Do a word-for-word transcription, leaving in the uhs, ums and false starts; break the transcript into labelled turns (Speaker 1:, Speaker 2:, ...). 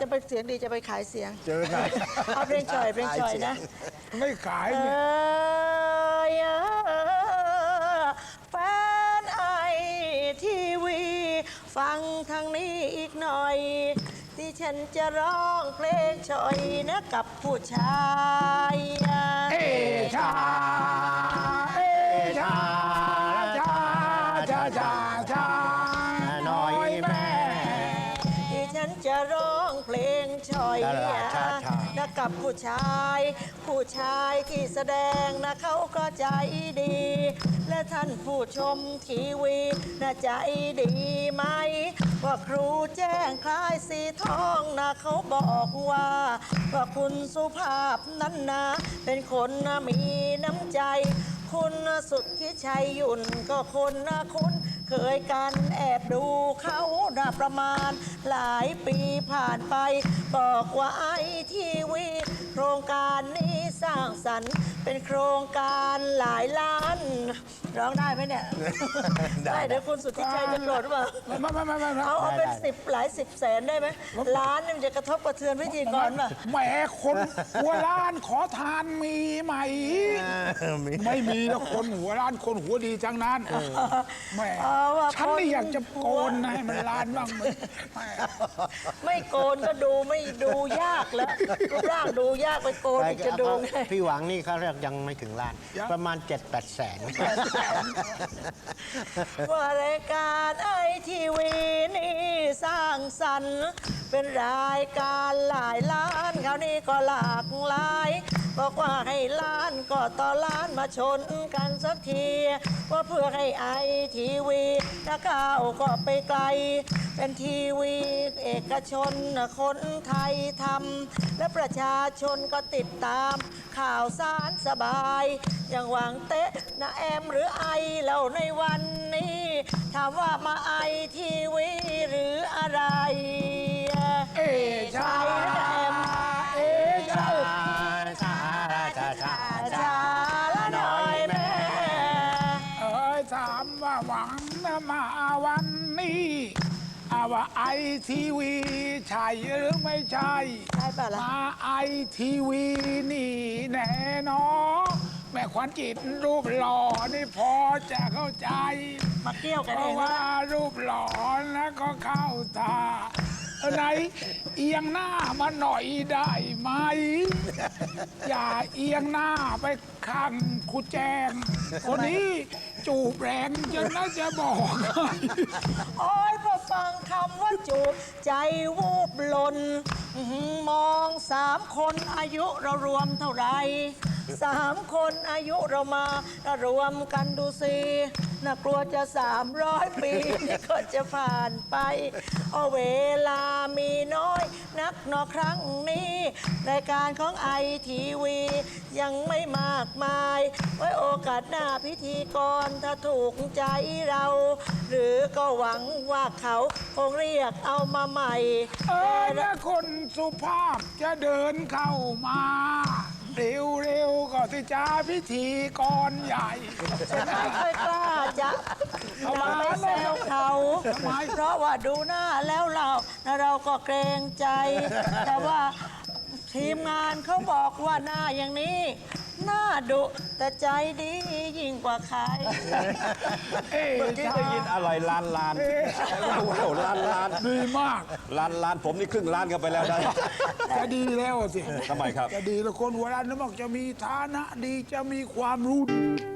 Speaker 1: จะไปเสียงดีจะไปขายเสียง
Speaker 2: เจอไหน
Speaker 1: เอาเพลงฉ่อยเพลงฉ่อยนะ
Speaker 2: ไม่ขาย
Speaker 1: เอ
Speaker 2: เนี่ย
Speaker 1: อแฟนไอทีวีฟังทางนี้อีกหน่อย ที่ฉันจะร้องเพลงฉ่อยนะกับผู้ชาย
Speaker 2: เอชาเอชาชาชาชาชาน้อยแม่
Speaker 1: ที่ฉันจะร้องเพลงฉ่อย
Speaker 2: ดาราชาชา
Speaker 1: นะกับผู้ชาย ผู้ชายที่แสดงนะเขาก็ใจดี และท่านผู้ชมทีวีน่าใจดีไหม ว่าครูแจ้งคล้ายสีทองนะเขาบอกว่า ว่าคุณสุภาพนั้นนะเป็นคนนะมีน้ำใจ คุณสุดที่ชัยยุ่นก็คนนะคุณเคยกันแอบดูเขานะประมาณหลายปีผ่านไป บอกว่าไอทีวีโครงการนี้สร้างสรรค์เป็นโครงการหลายล้านร้องได้ไหมเนี่ย ได้เดี๋ยวคุณสุทธิชัยจะโกรธหรือเปล่า
Speaker 2: ไม่ไม่ไม่ไม่ไม่
Speaker 1: เอาเอาเป็นสิบหลายสิบแสนได้ไหมล้านนี่มันจะกระทบกระเทือนพิธีกรป่ะ
Speaker 2: แหมคนหัวล้านขอทานมีไหม ไม่มีแล้วคนหัวล้านคนหัวดีทั้งนั้นแหม
Speaker 1: เอาว่า
Speaker 2: ฉันนี่
Speaker 1: คน
Speaker 2: อยากจะโกนนะให้มันล้านบ้างมึงแหม
Speaker 1: ไม่โกนก็ดูไม่ดูยากแล้วรูปร่างดูยากไปโกนอีกจะดูไง
Speaker 3: พี่หวังนี่เขาเรียกยังไม่ถึงล้าน ประมาณเจ็ดแปดแสน
Speaker 1: ว่ารายการไอทีวีนี่สร้างสรรค์เป็นรายการหลายล้านคราวนี้ก็หลากหลายบอกว่าให้ล้านก็ต่อล้านมาชนกันสักทีว่าเพื่อให้ไอทีวีนะก้าวก็ไปไกล เป็นทีวีเอกชนคนไทยทำและประชาชนก็ติดตามข่าวสารสบาย อย่างหวังเตะนะแอมหรือไอเราในวันนี้ถามว่ามาไอทีวีหรืออะไร
Speaker 2: เอชา
Speaker 1: ใช่นะแอม
Speaker 2: เอชา
Speaker 3: ชาชาชา
Speaker 1: ชาละหน่อยแม่
Speaker 2: เอ้ยถามว่าหวังนะมาวันนี้อาว่าไอทีวีใช่หรือไม่ใช่
Speaker 1: ใช่ป่ะล่ะ
Speaker 2: มาไอทีวีนี่แน่นอนแม่ขวัญจิตรูปหล่อนี่พอจะเข้าใจ
Speaker 1: มาเกี่ยวกัน
Speaker 2: เพ
Speaker 1: เอ
Speaker 2: ราะ
Speaker 1: ง
Speaker 2: ว่ารูปหล่อนะก็เข้าตาไหนเอียงหน้ามาหน่อยได้ไหม อย่าเอียงหน้าไปข้างครูแจงคนนี้จูบแรงจนน่าจะบอกให้
Speaker 1: โอ้ยพอฟังคำว่าจูบใจวูบหล่นอื้อหือมองสามคนอายุเรารวมเท่าไหรสามคนอายุเรามารวมกันดูสิน่ากลัวจะสามร้อยปีนี่ก็จะผ่านไปเอาเวลามีน้อยนักหนอครั้งนี้ รายการของไอทีวียังไม่มากมาย ไว้โอกาสหน้าพิธีกรถ้าถูกใจเรา หรือก็หวังว่าเขาคงเรียกเอามาใหม่
Speaker 2: เออถ้าคนสุภาพจะเดินเข้ามา เร็วๆก็สิจ้าพิธีกรใหญ่
Speaker 1: ฉันไม่ค่อยกล้าจะ
Speaker 2: เอา
Speaker 1: นำ
Speaker 2: มา
Speaker 1: ไปแซวเขา
Speaker 2: ทำไม
Speaker 1: เพราะว่าดูหน้าแล้วเรานะเราก็เกรงใจ แต่ว่าทีมงานเขาบอกว่าหน้าอย่างนี้ หน้าดุแต่ใจดียิ่งกว่าใคร
Speaker 2: เอ๊ะ
Speaker 4: เมื่อกี้ได้ยินอร่อยล้านล้านว้าวล้านล้าน
Speaker 2: ดีมาก
Speaker 4: ล้านล้านผมนี่ครึ่งล้านกันไปแล้วนะ
Speaker 2: จะดีแล้วสิ
Speaker 4: ทำไมครับ
Speaker 2: จะดีแล้วคนหัวล้านนึกบอกจะมีฐานะดีจะมีความรู้ดี